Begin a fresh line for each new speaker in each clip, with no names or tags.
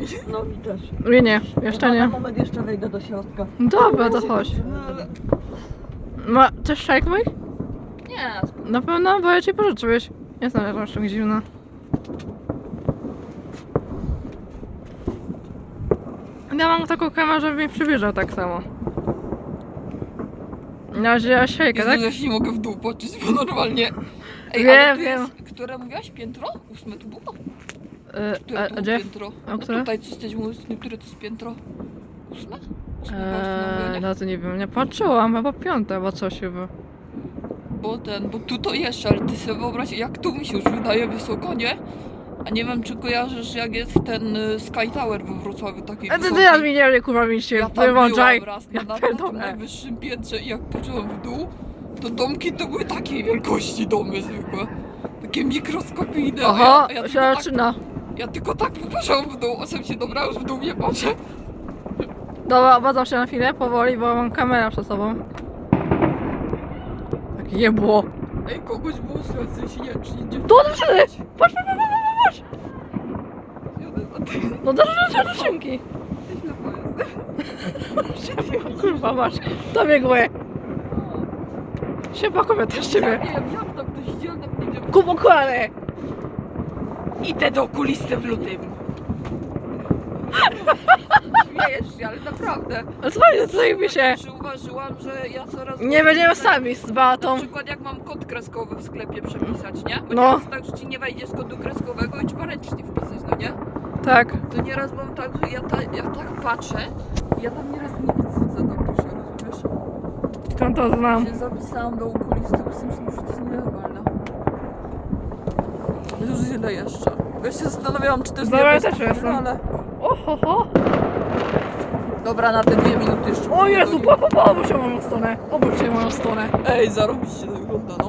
No mi też.
Nie, jeszcze nie.
Na moment jeszcze wejdę do środka.
Dobra, to chodź.
No ale...
Ma też szajk mój?
Nie,
Na pewno, bo ja ci pożyczyłeś. Nie znam, jak masz tak zimno. Ja mam taką kamerę, żeby mnie przybliżał tak samo. Na razie siejkę, tak?
Ja się nie mogę w dół patrzeć, bo normalnie... Ej,
Wiem,
ale tu
wiem.
jest, które mówiłaś? Piętro? 8 tu było?
A
tu
gdzie?
piętro?
A
No
które?
tutaj coś też mówisz, które to jest piętro? 8? 8
No to nie wiem, nie patrzyłam, chyba 5, bo coś chyba.
Bo tu to jeszcze, ale ty sobie wyobraź, jak tu mi się już wydaje wysoko, nie? A nie wiem, czy kojarzysz, jak jest ten Sky Tower we Wrocławiu, taki
Ty
wysoki.
teraz mi nie kurwa mi się
Ja tam
wyłączaj.
byłam raz
Ja
na
pierdolę.
najwyższym piętrze i jak patrzyłam w dół, to domki to były takiej wielkości domy zwykłe. Takie mikroskopijne.
Aha,
a ja
się
tylko tak,
zaczyna.
ja tylko tak popatrzyłam w dół, a sam się dobra, już w dół nie patrzę.
Dobra, obadzam się na chwilę, powoli, bo mam kamerę przed sobą. Tak jebło.
Ej, kogoś było słychać, w sensie nie wiem, czy nie dziewczyny.
Tu odeszły! Patrz!
Jadę za tym.
No do skrzynki. Kurwa masz, to biegły. Siema kobieta z ciebie.
Ja nie wiem, jak tam ktoś dzielny będzie.
Kup okulary.
Idę do okulisty w lutym. Śmiejesz się, ale naprawdę.
Ale słuchaj, zajmie się.
Zauważyłam, że ja coraz...
Nie będziemy sami z
Na
Beatą.
przykład jak mam kod kreskowy w sklepie przepisać, nie? Bo
No.
nieraz tak, że ci nie wejdzie z kodu kreskowego i trzeba ręcznie wpisać, no nie?
Tak.
To nieraz mam tak, że ja tak patrzę i ja tam nieraz nie widzę, co tam pisze, rozumiesz?
Skąd to znam?
Się zapisałam do okulisty, bo sobie myślałam, że to jest nienormalne. Już źle jeszcze. Bo ja się zastanawiałam, czy to jest
Dobra, ja
diabelska
też jestem.
ale...
Ohoho.
Dobra, na te 2 minuty jeszcze.
O Jezu, obróć się moją stronę. Obróć się moją stronę.
Ej, zarobiście to wygląda, no.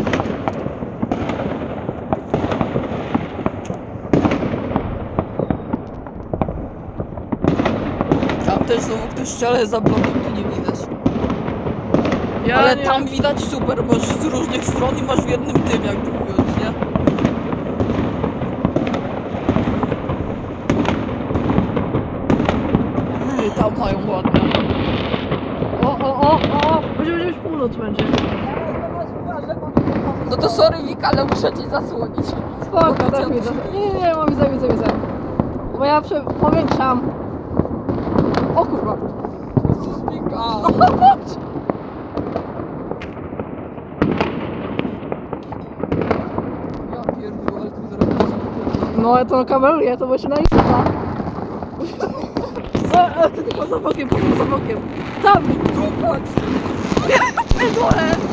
Tam też są ktoś ściele za blokiem, tu nie widać. Ale
nie
tam
mam-
widać super, masz z różnych stron i masz w jednym tym, jakby mówiąc, nie? I tam mają ładne.
O. Będzie już północ będzie.
No to sorry Wika, ale muszę ci zasłonić.
Spoko,
Bo
tak
widzę,
widzę. Nie, mam widzę. Bo ja powiększam. O kurwa.
Jezus Wika. Ja pierdolę, ale ty zrobisz.
No ja to kameruję, to będzie na Insta. Ty tylko za bokiem. Tam!
Tu patrz!
Dole!